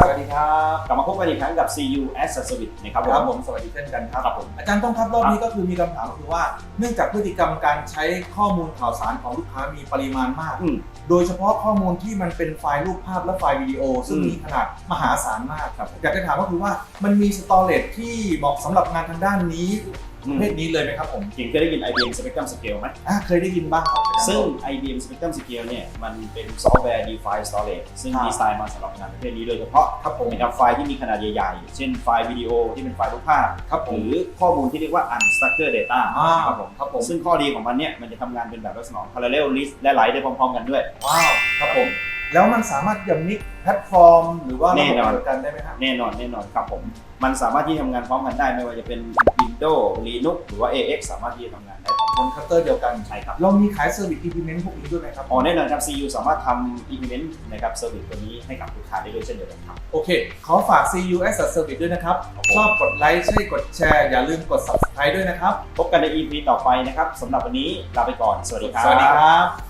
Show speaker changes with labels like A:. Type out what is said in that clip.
A: วัสดีครับ
B: กลับมาพบกันอีกครั้งกับ CU as a Service นะครับ
A: ผมสวัสดีเช่นกันครับ
B: ผม
A: อาจารย์ต้องครับรอบนี้ก็คือมีคำถามคือว่าเนื่องจากพฤติกรรมการใช้ข้อมูลข่าวสารของลูกค้ามีปริมาณมากโดยเฉพาะข้อมูลที่มันเป็นไฟล์รูปภาพและไฟล์วิดีโอซึ่งมีขนาดมหาศาลมากครับอยากจะถามก็คือว่ามันมีสตอเรจที่เหมาะสำหรับงานทางด้านนี้ประเภทนี้เลยไหมครับผม
B: จริงเคยได้ยิน IBM Spectrum Scale ไหม
A: เคยได้ยินบ้างครับ
B: ซึ่ง IBM Spectrum Scale เนี่ยมันเป็นซอฟต์แวร์ Defined Storage ซึ่งดีไซน์มาสำหรับงานประเภทนี้โดยเฉพาะ
A: ครับผม
B: นะครับไฟล์ที่มีขนาดใหญ่ๆเช่นไฟล์วิดีโอที่เป็นไฟล์รูปภาพ
A: ครับผม
B: หรือข้อมูลที่เรียกว่า unstructured data
A: ครับผม
B: ซึ่งข้อดีของมันเนี่ยมันจะทำงานเป็นแบบลักษณะ parallel list และไหลได้พร้อมๆกันด้วย
A: ว้าวครับผมแล้วมันสามารถจะมิกแพลตฟอร์มหรือว่าระบบเดียวกันได้ไหมครับ
B: แน่นอนครับผมมันสามารถที่ทำงานพร้อมกันได้ไม่ว่าจะเป็น Windows Linux หรือว่า AX สามารถที่จะทำงานได้
A: บนคัตเตอร์เดียวกัน
B: ใช่ครับ
A: เรามีขายเซอร์วิส implement พวกนี้ด้วยไหมครับ
B: แน่นอนครับ CU สามารถทำ implement นะครับเซอร์วิสตัวนี้ให้กับลูกค้าได้ด้วยเช่นเดียวกันครับ
A: โอเคขอฝาก CU as a Service ด้วยนะครับชอบกดไลค์ใช่กดแชร์อย่าลืมกด subscribe ด้วยนะครับ
B: พบกันใน EP ต่อไปนะครับสำหรับวันนี้ลาไปก่อนสวัสดีครับ
A: สวัสดีครับ